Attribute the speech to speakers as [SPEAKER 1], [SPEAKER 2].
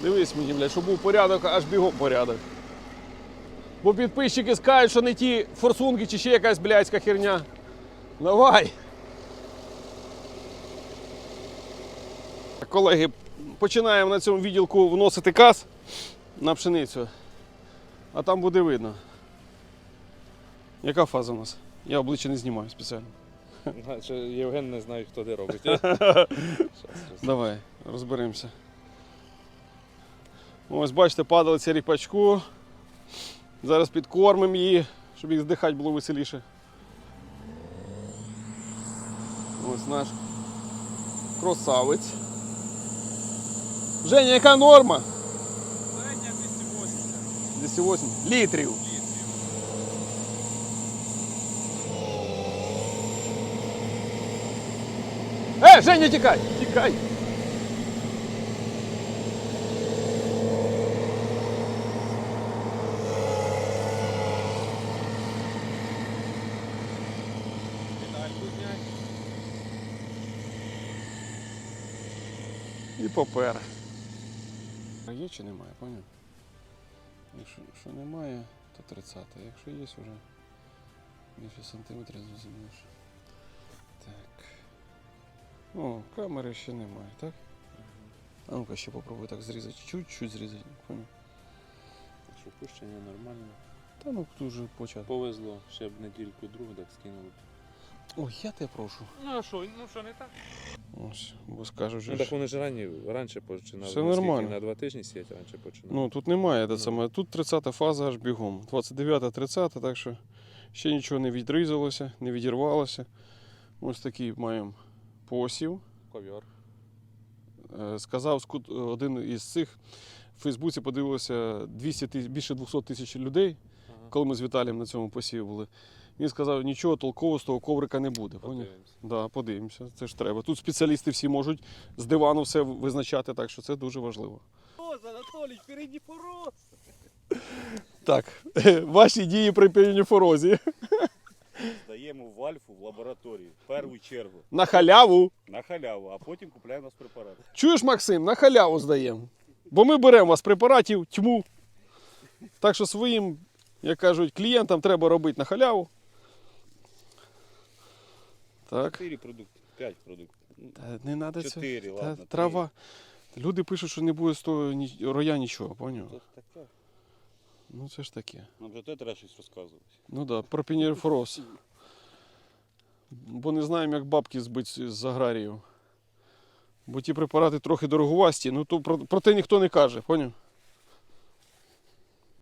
[SPEAKER 1] Дивись мені, блядь, щоб був порядок, аж бігом порядок. Бо підписчики скажуть, що не ті форсунки чи ще якась блядська херня. Давай! Колеги, починаємо на цьому відділку вносити каз на пшеницю. А там буде видно. Яка фаза у нас? Я обличчя не знімаю спеціально.
[SPEAKER 2] Євген не знає, хто де робить.
[SPEAKER 1] Давай, розберемося. Ось, бачите, падалиця ріпачку. Зараз підкормимо її, щоб їх здихати було веселіше. Ось наш красавець. Женя, яка норма?
[SPEAKER 2] Середня 280.
[SPEAKER 1] 280 літрів. Женя, тікай! Тікай! І попер. А є чи немає, поняв? Якщо немає, то 30. Якщо є вже більше сантиметрів, зрозумієш. Так. О, камери ще немає, так? А ну-ка ще попробуй так зрізати. Чуть-чуть зрізати, поняв?
[SPEAKER 2] Що пущення нормально.
[SPEAKER 1] Та ну дуже почати.
[SPEAKER 2] Повезло, ще б недільку другу так скинули.
[SPEAKER 1] Ой, я тебе прошу.
[SPEAKER 2] Ну а що, не так?
[SPEAKER 1] Ось, бо скажуть,
[SPEAKER 2] Ну
[SPEAKER 1] що...
[SPEAKER 2] так вони ж раніше починали.
[SPEAKER 1] Все нормально.
[SPEAKER 2] На 2 тижні сіяти раніше починали.
[SPEAKER 1] Ну тут немає, те саме. Тут 30-та фаза аж бігом. 29-30, так що ще нічого не відрізалося, не відірвалося. Ось такий маємо посів.
[SPEAKER 2] Ковьор.
[SPEAKER 1] Сказав один із цих, в Фейсбуці подивилося більше 200 тисяч людей, коли ми з Віталієм на цьому посіві були. Він сказав, нічого толкового з того коврика не буде.
[SPEAKER 2] Подивимося.
[SPEAKER 1] Да, подивимося, це ж треба. Тут спеціалісти всі можуть з дивану все визначати, так що це дуже важливо.
[SPEAKER 3] Анатолій, впереді фороз!
[SPEAKER 1] Так, ваші дії при піоніфорозі.
[SPEAKER 3] Здаємо в Альфу в лабораторію, в першу чергу,
[SPEAKER 1] На халяву.
[SPEAKER 3] на халяву, а потім купляємо нас препарат.
[SPEAKER 1] Чуєш, Максим, на халяву здаємо. Бо ми беремо у вас препаратів тьму. Так що своїм, як кажуть, клієнтам треба робити на халяву. Так.
[SPEAKER 3] 4 продукти, 5 продуктів.
[SPEAKER 1] Та не треба
[SPEAKER 3] 4,
[SPEAKER 1] цього.
[SPEAKER 3] ладно,
[SPEAKER 1] Та, трава. Люди пишуть, що не буде з того роя нічого, поняв?
[SPEAKER 3] Це таке.
[SPEAKER 1] Ну це ж таке.
[SPEAKER 3] Нам вже те треба щось розказувати.
[SPEAKER 1] Ну так, да, про піоніфороз. Бо не знаємо, як бабки збити з аграріїв. Бо ті препарати трохи дороговасті, ну то про те ніхто не каже, поняв?